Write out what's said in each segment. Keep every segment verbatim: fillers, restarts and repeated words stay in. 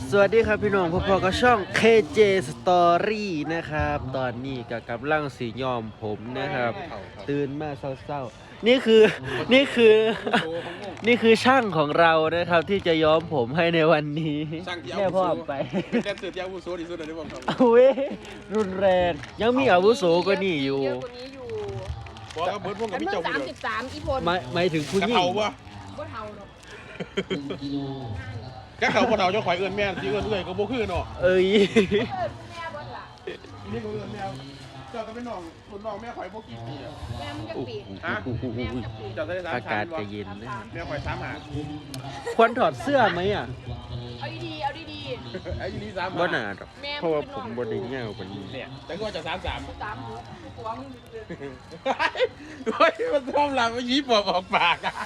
สวัสดีครับพี่น้องพบกับช่อง เค เจ Story นะครับตอนนี้ก็กำลังสียอมผมนะครับตื่นมาเศร้าๆนี่คือนี่คือนี่คือช่างของเรานะครับที่จะย้อมผมให้ในวันนี้แม่พ่อไปเป็นแดนเซอร์ที่อาวุโสที่สุดในวงการเอาเว้ยรุนแรงยังมีอาวุโสกว่านี่อยู่เยอะกว่านี้อยู่บอกว่าเบิร์ดวงกับอันพี่เมื่อเจ้าสามเดีสิยวบสามอีพลหมายหมายถึงผู้กระหญิงเทาปะบ่เท่าหรอกกระเทาปะเทาเจ้าข่อยเอื้อนแม่ที่เอื้อนเอื้อยก็บ่คือเนาะเอ้ยเออแม่บ่ล่ะนี่ก็เอื้อนแม่เจ้าก็เป็นน้องคุณน้องแม่ข่อยบ่กี่ปีอ่ะแม่มึงจะปีฮะแม่มึงจะปีเจ้าได้สามอาชั้กาศนจะเย็นนะแม่ข่อยสามหาควรถอดเสื้อไหมอ่ะเอาดีๆเอาดีไอ้ยี่นี่สามบ่หาหนาดอกๆแม่เพราะว่าผมบ่ได้เงี้ยวกว่านี้เนี่ยแต่ก็จะสามสามสามหกหัวมึงโอ้ยมันชอบหลับมันยิ้มบอกออกปากอ่ะ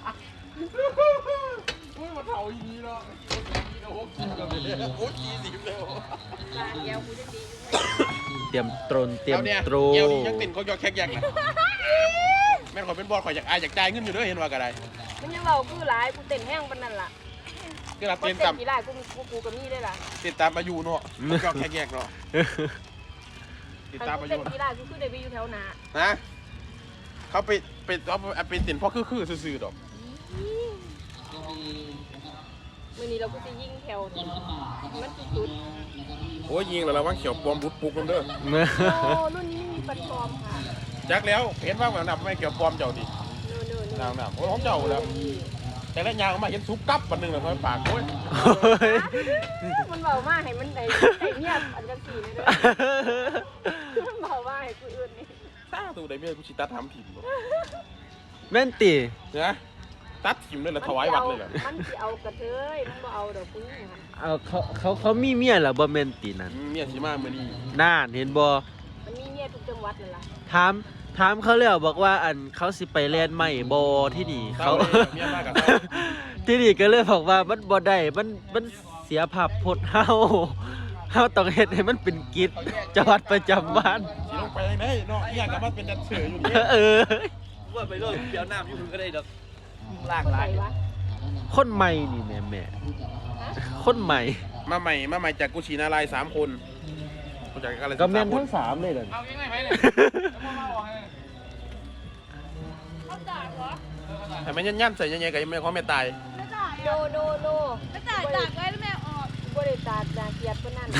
โอ้ยมันเทาอีนี้เนาะโอ้ยกินกันเลยโอ้ยกี่สิบเลยลาเดียวกูจะดีเตรียมตรนเตรียมตรเอวนี่ยังติ่นเขายอกแขกแยกนะแม่นขอยเป็นบอลข่อยอยากอายอยากจ่ายเงินอยู่ด้วยเห็นว่าก็ได้มันยังเราคือหลายกูเต้นแห้งปานนั้นล่ะก็รับคนเต้นเต้ตาน มกี่หลายกูมีกูกูกับมีได้ล่ะติดตามอายุเนาะยอกแขกแยกเนาะติดคันตามกูอาเต้ยุนกี่หลายกูคือได้ไปอยู่แถวหน้านะเขาไปไปเอาไปติ่นเพราะคือคือซื่อๆดอกมื้อนี้เราก็จะยิงแถวมันสุดโอ้ยยิงแล้วระวังเขียวปลอมบุดปุกน้ำเด้อๆโอ้รุ่นนี้มีปันปลอมค่ะจักแล้วเห็นว่าแบบนั้นไม่เขียวปลอมเจ้าดิเนู่นๆนางน่ะโอ้ยของเจ้าแล้วแต่ละยางมาเห็นซุปกับวันหนึ่งเลยเขาปากโอ้ยมันเบามากให้มันได้ได้เงียบอันจังสี่เลยเด้อมันเบามากให้กูอื่นนี่ตาตัวใดเมียกูชิตัดทำถิ่มแม่นตีนะตัดถิ่มเลยเหรอถวายวัดเลยเหรอมันสิเอากระเทยมันบ่เอาดอกผู้หญิงเอาเขาเขาเขามีเมียเหรอบ่แม่นตีนั่นเมียชิมาเมื่อนี้น่านเห็นบ่มันมีเมียทุกจังหวัดนั่นล่ะถามถามเขาแล้วบอกว่าอันเขาสิไปแลนด์ใหม่บ่ที่นี่เขาเมียมากกับที่นี่ก็เลยบอกว่ามันบ่ได้มันมันเสียภาพพจน์เฮาเฮาต้องเฮ็ดให้มันเป็นกิจจังหวัดประจำบ้านสิลงไปยังไงเนาะอยากกลับมาเป็นแดนเซอร์อยู่นี่เออว่าไปเรื่องเดี๋ยวน้ำอยู่ก็ได้ดอกล่างคนไหนลายวะคนใหม่นี่แม่แม่คนใหม่มาใหม่มาใหม่จากกุชินารายสามคนมาจากอะไรก็แม่นทั้งสามเลยเหรอเอายังไงไปเลยเขาจ่ายเหรอแต่ไม่ยันยันใส่ยังไงกับยังไม่เขาไม่ตายไม่จ่ายโนโนโนไม่จ่ายจากไว้แล้วแม่ออกบ่ได้จ่ายจากเกียรติปานนั้น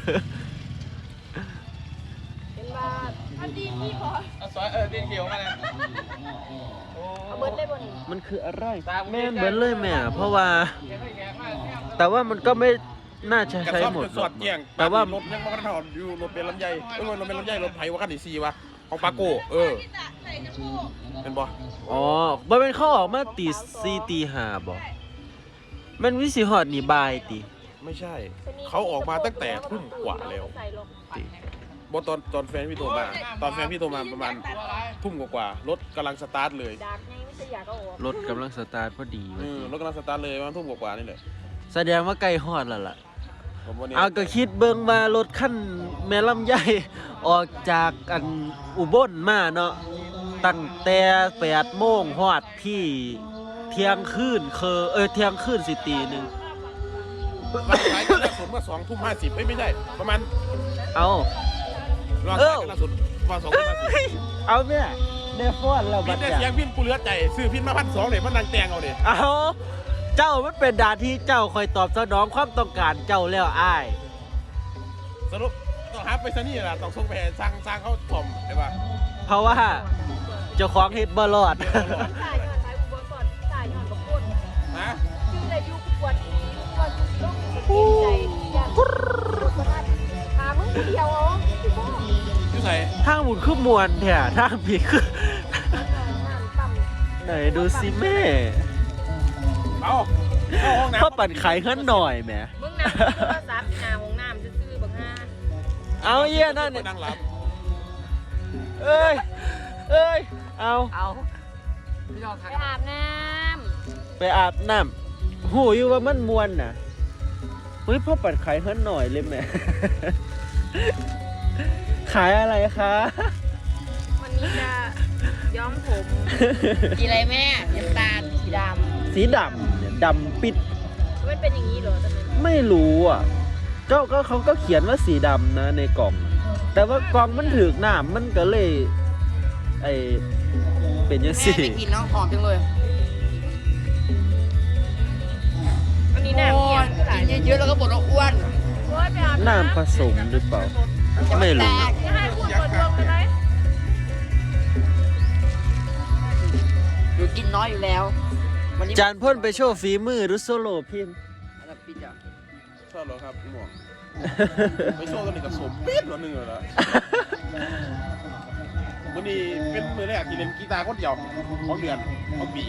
เป็นว่าอันดีพี่ขอเอาซอยเออเดียงเขียวมาเลยเอาเบิดได้บ่นี่มันคืออะไรแม่นเหมือนเลยแม่เพราะว่าแขกให้แขกมาแขกแต่ว่ามันก็ไม่น่าจะกระใช้สอบหมดกระสอบเกี่ยงแต่ว่ารถยังมาถอดอยู่รถเป็นลำไยเออรถเป็นลำไยรถไผ่ว่าคันที่สี่วะของปาโก้เออเป็นบ่อ๋อบ่เป็นเขาออกมาตีสี่ตีห้าบ่มันวิสิฮอดนี่บายติไม่ใช่ เขาออกมาตั้งแต่ทุ่มกว่าแล้วใส่ลงไปบอตอนตอนแฟนพี่โทรมา ตอนแฟนพี่โทรมาประมาณทุ่มกว่าๆรถกำลังสตาร์ทเลยดากไงไม่ใช่อยากเอาออกรถกำลังสตาร์ทพอดีเออรถกำลังสตาร์ทเลยประมาณทุ่มกว่าๆนี่แหละแสดงว่าใกล้ฮอดแล้วล่ะผมวันนี้เอาก็คิดเบิ่งว่ารถคันแม่ลำไยออกจากอันอุบลมาเนาะตั้งแต่แปดโมงฮอดที่เที่ยงคืนเคอเออเที่ยงคืนสิตีหนึงวันสุดท้ายก็ล่าสุดเมื่อสองทุ่มห้าสิบไม่ใช่ประมาณเอารอบสุดท้ายก็ล่าสุดประมาณสองทุ่มห้าสิบเอาแม่ได้ฟ้อนแล้วพิบันดได้เนี่ยเสียงพินกูเหลือใจซื้อพินมาพันสองเลยมันนางแตงเอาเด็เอาเจ้ามันเป็นดาที่เจ้าคอยตอบสนองความต้องการเจ้าแล้วอ้ายสรุปต้องหาไปซะนี่แหละต้องส่งไปให้สร้างสร้างเขาถ่อมใช่ปะเพราะว่าเจ้าของเฮ็ดบ่รอดจ่ายย้อนสายอุบลก่อนจ่ายย้อนกับคนนะชื่ออะไรอยู่กูปวดก่อนกูต้องใจอย่างประทัดหามึงผู้เดียวเอาพี่พ่ออยู่ใส่ทางหมุนคือมวนแท้ทางผีคือน้ำต่ำไหนดูสิแม่เอาเข้าห้องน้ำพ่อปั่นไข่ขึ้นหน่อยแหมมึงน้ำโทรศัพท์หาห้องน้ำซื่อๆบักฮาเอาเยี่ยนั่นไปนั่งหลับเอ้ยเอ้ยเอาเอาพี่น้องไปทักอาบน้ไปอาบน้ำหูอยู่ว่ามันมวนน่ะเฮ้ยพ่อปั่นไข่ขึ้นหน่อยเลยแหม่ ขายอะไรคะำวันนี้จะย้อมผมสีอะไรแม่น้ำตาลสีดสีดำเนี่ยดำปิดำมันเป็นอย่างนี้เหรอทำไมไม่รู้อ่ะก็ก็เขาก็เขียนว่าสีดำนะในกล่อง แต่ว่ากล่องมันถือกน้ำมันก็เลยไอเป็นยังแม่สิได้กลินน้องหอมจังเลยอันนี้น้ำโอ้เยี่ยยมขายกินเยอะๆแล้วก็บ่นว่าอ้วนโอ้ยไปอาบน้ำผสมหรือเปล่าไม่รู้แตกจะให้พูดบนรวมกันไหมหนูกินน้อยอยู่แล้ว วันนี้จานพ่นไปโชว์ฝีมือหรือโซโล่พิมพ์อะไรปิดอ่ะชอบเหรอครับหมวกไม่โชว์ตัวนี้กับสมปี๊ดหรอหนึ่งเหรอนะวันนี้เป็นมือแรกที่เล่นกีตาร์คนเดียวของเดือนของปี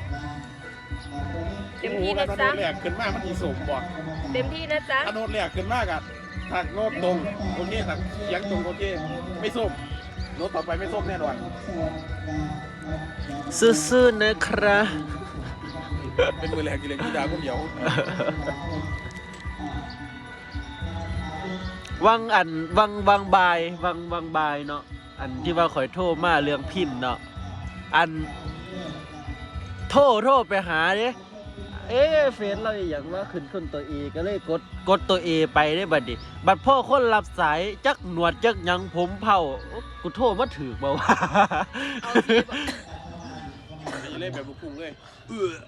เต็มที่กันะนโดจ๊ะดแรกขึ้นมามันอีสมบ่เต็มที่นะจ๊ะถ้าโดดแรกขึ้นมากอะถักโน้ตตรงโอเคถักเสียงตรงโอเคไม่ส้มโน้ตต่อไปไม่ส้มแน่นอนซื่อๆนะครับเป็นมือแรกที่เล่นกีตาร์คนเดียววังอันวังวังบายวังวังบายเนาะอันที่ว่าข่อยโทรมาเรื่องพินเนาะอันโทรโทรไปหาเด้เอ๊ะเฟซเราอหย่างว่าขึ้นคนตัวเอก็เลยกดกดตัวเอไปได้บัดนี้บัดพ่อคนรับสายจักหนวดจักหยังผมเผาโอ๊ะกูโทรมาถือบ่าวะเอาสิบนี่เล่นแบบลูกทุ่งเลยเออ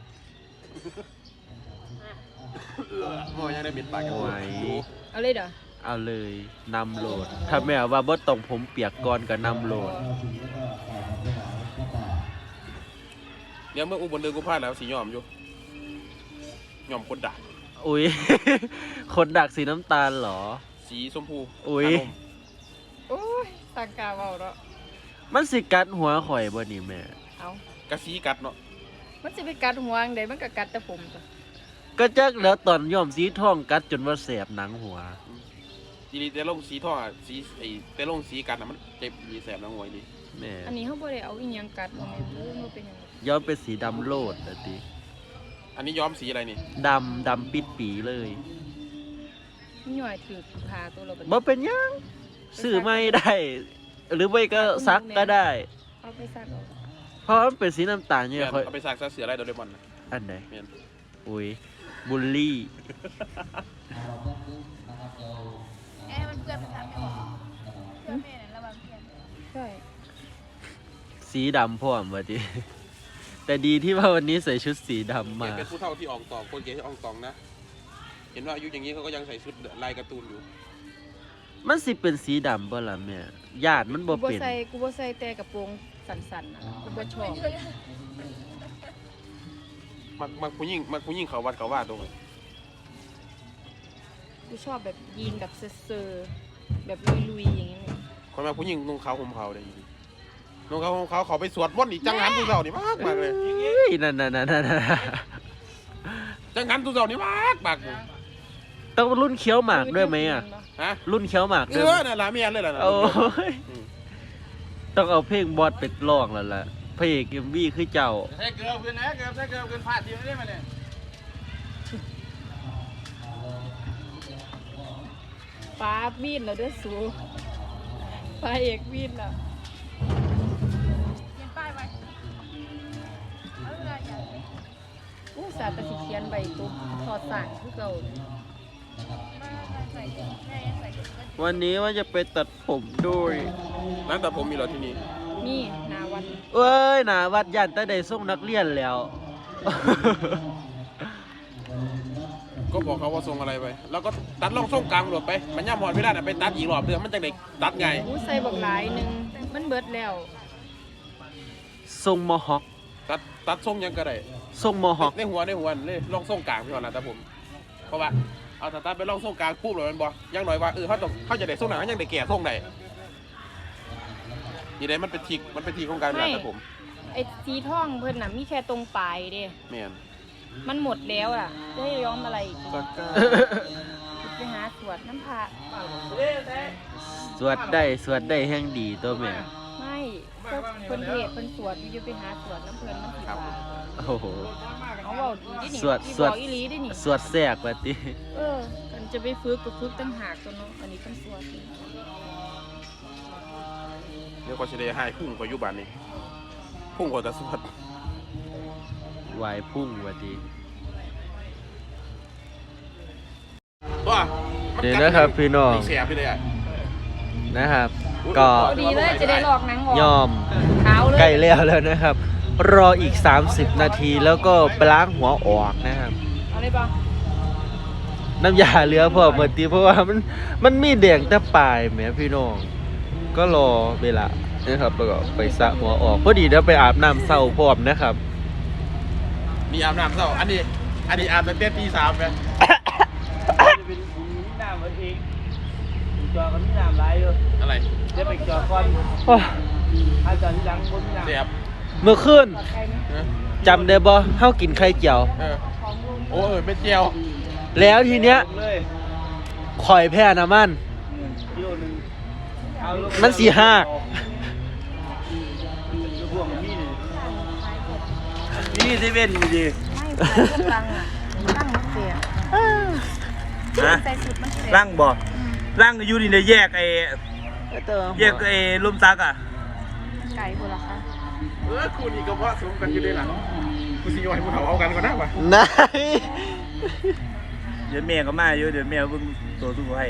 เออโอ้ยังได้บิดปากกันไหวเอาเลยเด้อเอาเลยนำโหลด ถ้าแม่ว่าบ่ต้องผมเปียกก่อนก็นำโหลดเดี๋ยวเมื่ออุบลเดินกูพลาดแล้วสียอมอยู่ยอมคนด่าอุ้ย คนดักสีน้ำตาลเหรอสีชมพูอุ๊ยอารมณ์โอ้ยต่างกาเบาเนาะมันสิกัดหัวข่อยบ่นี่แม่เอากระสีกัดเนาะมันจะไปกัดหัวอังใดมันก็กัดแต่ผมจ้ะก็จักแล้วตอนย่อมสีทองกัดจนว่าแสบหนังหัวทีนี้แต่ลงสีทองอะสีไอ้แต่ลงสีกัดอะมันเจ็บมีแสบน้ำงวยดีแม่อันนี้เขาบ่ได้เอาอีหยังกัดมันเลยมันเป็นหยังย้อมเป็นสีดำโลดอะติอันนี้ย้อมสีอะไรนี่ดำดำปิดปีเลยมีหน่อยถือพาตัวเราไปบ่เป็นหยังซื้อไม่ได้ หรือไม่ก็ซักก็ได้เอาไปซักเอาเพราะมันเป็นสีน้ำตาลเนี่ยแม่นค่อยเอาไปสากเสืออะไรโดเรมอนน่ะอันไหนแม่นอุ้ยบุลลี่แอร์มันเปื้อนไปทำไม่หมดเพื่อนแม่เนี่ยระวังเพื่อนใช่สีดำพร้อมว่ะติ แต่ดีที่ว่าวันนี้ใส่ชุดสีดำเกมาเป็นผู้เฒ่าที่อองตองคนเกย์ที่อองตองนะ เห็นว่าอายุอย่างนี้เขาก็ยังใส่ชุดลายการ์ตูนอยู่มันสิเป็นสีดำบ่ล่ะแม่ญาติมันบ่กูบ่เป็นใส่กูบ่ใส่แต่กระโปรงสั้นๆนะกูบ่ชอบมักมักผู้หญิงมักผู้หญิงเขาวัดเขาว่าตรงไหนกูชอบแบบยีนแบบเซอร์ๆแบบลุยๆอย่างนี้เนี่ยคนมาผู้หญิงนุ่งขาวห่มขาวได้ยินนุ่งขาวห่มขาวเขาไปสวดมนต์อีกจังหันตุเจ้านี่มากมากเลยเอ้ยนั่นนั่นนั่นนั่นจังหันตุเจ้านี่มากมากเลยต้องรุ่นเคี้ยวหมากด้วยไหมอ่ะฮะรุ่นเคี้ยวหมากเอด้วยไหมอน่ะละเมียนเลยล่ะนะโอ้ยอืมต้องเอาเพลงบอสไปร้องแล้วล่ะพระเอกเอ็มวีคือเจ้าใช้เกลือเพื่อนนะเกลือใช้เกลือเพื่อนพลาดทีไม่ได้มาเนี่ยฟ้าบีนแล้วเด้อสูฟ้าเอกบีนแล้วเขียนป้ายไว้เอาเวลาอย่างอู้สาตะสิเขียนใบตุ๊บทอดสั่งคือเก่าวันนี้ว่าจะไปตัดผมด้วยร้านตัดผมมีเหรอที่นี่นี่นาวันเอ้ยหนาวัดยันแต่ได้ส่งนักเรียนแล้วก็บอกเขาว่าทรงอะไรไป แล้วก็ตัดล่องทรงกลางหลบไป มันย่ำหอดเวลาน่ะไปตัดอีกรอบเดือนมันจะเด็กตัดไงอู้ใส่บักหลายหนึงมันเบิดแล้วทรงมอฮอคตัดตัดทรงยังก็ได้ทรงมอฮอคในหัวในหัวเลยล่องทรงกลางพี่ก่อนนะแต่ผม เพราะว่าเอาแต่ตัดไปล่องทรงกลางปุ๊บเลยมันบอกยังหน่อยว่าเออเขาต้องเขาจะได้ทรงไหนเขายังได้แก่ทรงไหนนี่ได้มันเป็นทิกมันเป็นทิกของการเวลาแต่ผมไอ้สีทองเพิ่นน่ะมีแค่ตรงปลายเด้แม่นมันหมดแล้วอ่ะจะให้ย้อมอะไรอีกสักกาไปหาสวดน้ำพระสวดได้สวดได้แห่งดีตัวแม่ไม่ก็เพิ่นเทศเพิ่นสวดอยู่ไปหาสวดน้ำเพิ่นมันสิว่าโอ้โหเขาบอกดีดินี่สวดอีสวดบอกอีหลีดินี่สวดแทรกว่าติเออกันจะไปฝึกก็ฝึกตั้งหากตัวเนาะอันนี้เพิ่นสวดนี่เดี๋ยวก็จะได้ให้พุ่งกว่ายุบานนี้พุ่งกว่าแต่สวดวายพุ่งว่าติว่านี่นะครับพี่น้องแสบไปเลยอ่ะนะครับ ก็ดีเลยจะได้หลอกหนังออกยอมขาวเลยใกล้แล้วแล้วนะครับ รออีก สามสิบ นาทีแล้วก็ไปล้างหัวออกนะครับเอาเลยป่ะน้ำยาเหลือพอเมื่อตีเพราะว่ามันมันมีแดงแต่ปลายแหมพี่น้อง ก็รอเวลานะครับแล้วก็ไปสระหัวออกพอดีเดี๋ยวไปอาบน้ำเศร้าพร้อมนะครับมีอาบน้ำเศร้าอันนี้อันนี้อาบตั้งแต่ตีสามไหมเป็นน้ำมันเองจอกันมีน้ำไหลอยู่อะไรจะไปจอก่อนโอ้ยถ้าจอที่หลังบนน้ำแสบเมื่อคืนไก่ไหมเออจำได้บ่เฮากินไข่เจียวเออโอ้เออเป็นเจียวแล้วทีเนี้ยเลยข่อยแพ้น้ำมันกิโลนึงเอาลงมันสี่ห้าพวกมันมีนี่นี่เซเว่นอยู่ดีไม่ใส่เครื่องรังอ่ะรังมันเสียฮะใส่สุดมันเสียร่างบ่ร่างอยู่นี่เนี่ยแยกไอ้แยกไอ้ลมซักอ่ะไก่บุรคะเออคู่นี้ก็เพราะสมกันอยู่ด้วยล่ะกูสิโยนให้พวกเขาเอากันก่อนนะวะนายเดี๋ยวแม่ก็มาอยู่เดี๋ยวแม่เพิ่งตัวตู้ให้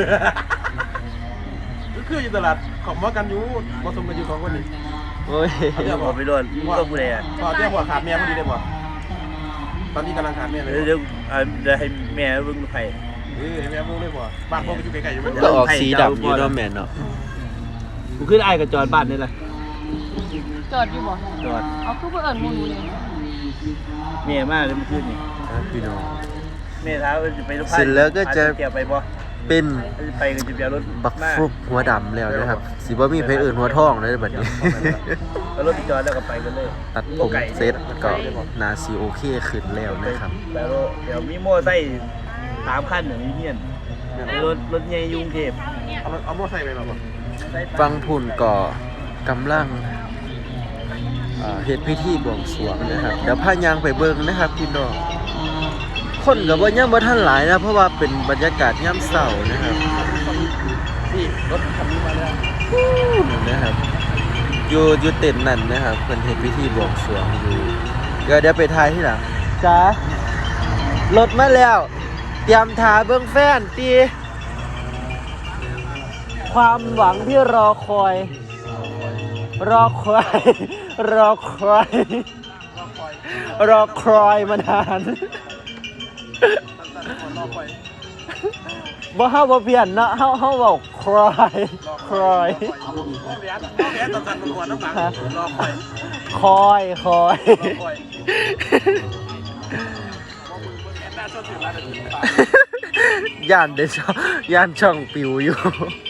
ก็คืออยู่ตลาดของมากันอยู่มาสมกันอยู่สองคนนี้โอ้ยเดี๋ยวบบอก อกไปโดนก็ผู้ใดอ่ะพอเดี๋ยวหัวขาดแม่พอดีเลยบ่ตอนนี้กำลังขาดแม่เลยเดี๋ยวเดี๋ยวอ่าเดี๋ยวให้แม่เพิ่งให้เออให้แม่มูเลยบ่บ้านพ่อก็อยู่ไกลๆอยู่ไม่ก็ออกสีดำอยู่เนาะแม่เนาะกูขึ้นไอ้กับจอดบ้านนี่แหละจอดอยู่บ่จอดเอาคือเพื่อเอิญมูนูเนี่ยแม่มากเลยเมื่อคืนนี่พี่น้องแม่ท้าว่าจะไปรถไฟเสร็จแล้วก็จะเกี่ยวไปบ่เป็นไปก็จะเบียรถบักฟลุกหัวดำแล้วนะครับสิบ่มีเพอื่นหัวทองเลยบัดนี้แล้วรถไปจอดแล้วก็ไปกันเลยตัดผมเซ็ตก็นาซีโอเคขึ้นแล้วนะครับแล้วเดี๋ยวมีโม่ไส้สามขั้นอย่างนี้เฮียนรถรถใหญ่ยุงเทพเอาเอามอไซค์ไปหรอบ่ฟังพุ่นก็กำลังอ่าเฮ็ดพิธีบวงสรวงนะครับเดี๋ยวพายางไปเบิ่งนะครับพี่น้องคนก็บ่ยังบ่ทันหลายนะเพราะว่าเป็นบรรยากาศยามเช้านะครับนี่รถคันนี้มาแล้วนะครับอยู่อยู่เต็นท์นั่นนะครับเพิ่นเฮ็ดพิธีบวงสรวงอยู่เดี๋ยวเดี๋ยวไปถ่ายที่หลังจ้ารถมาแล้ว เตรียมถ่าเบิ่งแฟนตีความหวังที่รอคอย รอคอย รอคอย รอคอยมานานบ่เฮาบ่เปลี่ยนเนาะเฮาเฮาเว้าครอยครอยแหวนแหวนตอนนั้นมันก่อนน้ำหนักรอคอยคอยคอยคอยหน้าชนถึงร้านถึงปากย่านเดชย่านช่องปิวอยู่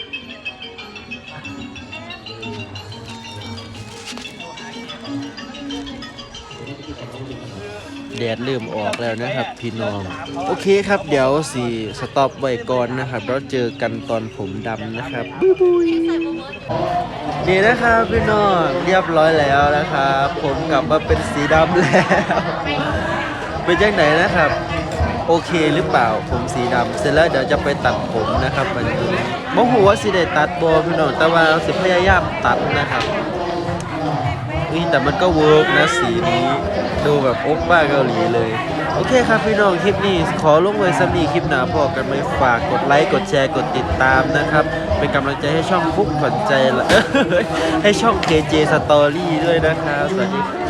แดดเริ่มออกแล้วนะครับพี่น้อง โอเคครับเดี๋ยวสีสต็อปไว้ก่อนนะครับแล้วเจอกันตอนผมดำนะครับบุยบุยนี่นะครับพี่น้องเรียบร้อยแล้วนะครับผมกลับมาเป็นสีดำแล้ว เป็นยังไงนะครับ โอเคหรือเปล่าผมสีดำเสร็จแล้วเดี๋ยวจะไปตัดผมนะครับวันนี้มองหัวสิได้ตัดโบพี่น้องแต่ว่าสิพยายามตัดนะครับนี่แต่มันก็เวิร์กนะสีนี้ดูแบบโอ๊กบ้าเกาหลีเลยโอเคครับพี่น้องคลิปนี้ขอลงไว้สำนีคลิปหนาพอกันไหมฝากกดไลค์กดแชร์กดติดตามนะครับเป็นกำลังใจให้ช่องฟุกขวัญใจละ ให้ช่อง เค เจ Story ด้วยนะครับสวัสดีครับ